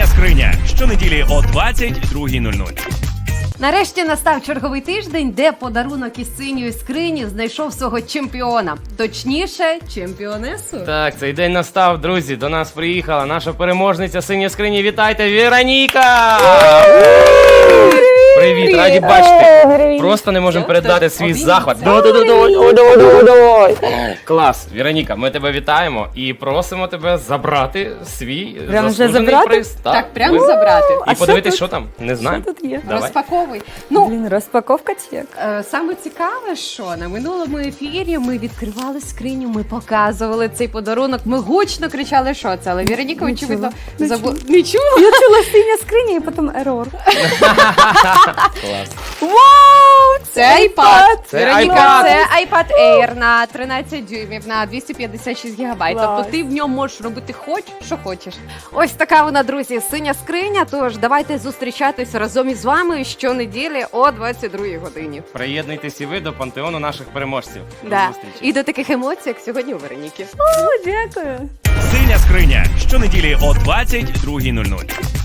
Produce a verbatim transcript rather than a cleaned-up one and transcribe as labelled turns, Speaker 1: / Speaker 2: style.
Speaker 1: Синя скриня. Щонеділі о двадцять другій нуль нуль.
Speaker 2: Нарешті настав черговий тиждень, де подарунок із синьої скрині знайшов свого чемпіона. Точніше, чемпіонесу.
Speaker 3: Так, цей день настав, друзі. До нас приїхала наша переможниця синьої скрині. Вітайте, Вероніка! Привіт, раді бачити. Просто не можемо передати свій захват. Клас, Вероніка, ми тебе вітаємо і просимо тебе забрати свій
Speaker 4: Прямо вже
Speaker 3: заслужений
Speaker 4: забрати?
Speaker 3: приз.
Speaker 2: Так, прямо
Speaker 3: ми-
Speaker 2: забрати.
Speaker 3: І
Speaker 4: А що
Speaker 3: подивитись,
Speaker 4: тут?
Speaker 3: що там. Не знаю.
Speaker 4: Що тут є?
Speaker 3: Давай.
Speaker 2: Розпаковуй. Ну,
Speaker 4: Блін, розпаковка чек.
Speaker 2: е, саме цікаве, що на минулому ефірі ми відкривали скриню, ми показували цей подарунок, ми гучно кричали, що це, але Вероніка,
Speaker 4: Не
Speaker 2: очевидно,
Speaker 4: чула. Не
Speaker 2: забула. Не чула?
Speaker 4: Я чула синя скриня і потім ерор.
Speaker 3: Клас.
Speaker 4: Вау!
Speaker 2: Це iPad.
Speaker 3: Це
Speaker 2: Вероніка,
Speaker 3: iPad.
Speaker 2: це iPad Air на тринадцять дюймів, на двісті п'ятдесят шість гігабайт.
Speaker 4: Клас.
Speaker 2: Тобто ти в ньому можеш робити хоч, що хочеш. Ось така вона, друзі, синя скриня. Тож давайте зустрічатися разом із вами щонеділі о двадцять другій годині.
Speaker 3: Приєднуйтесь і ви до пантеону наших переможців. До
Speaker 2: Да.
Speaker 3: зустрічі.
Speaker 2: І до таких емоцій, як сьогодні у Вероніки.
Speaker 4: О, дякую.
Speaker 1: Синя скриня. Щонеділі о двадцять другій нуль нуль.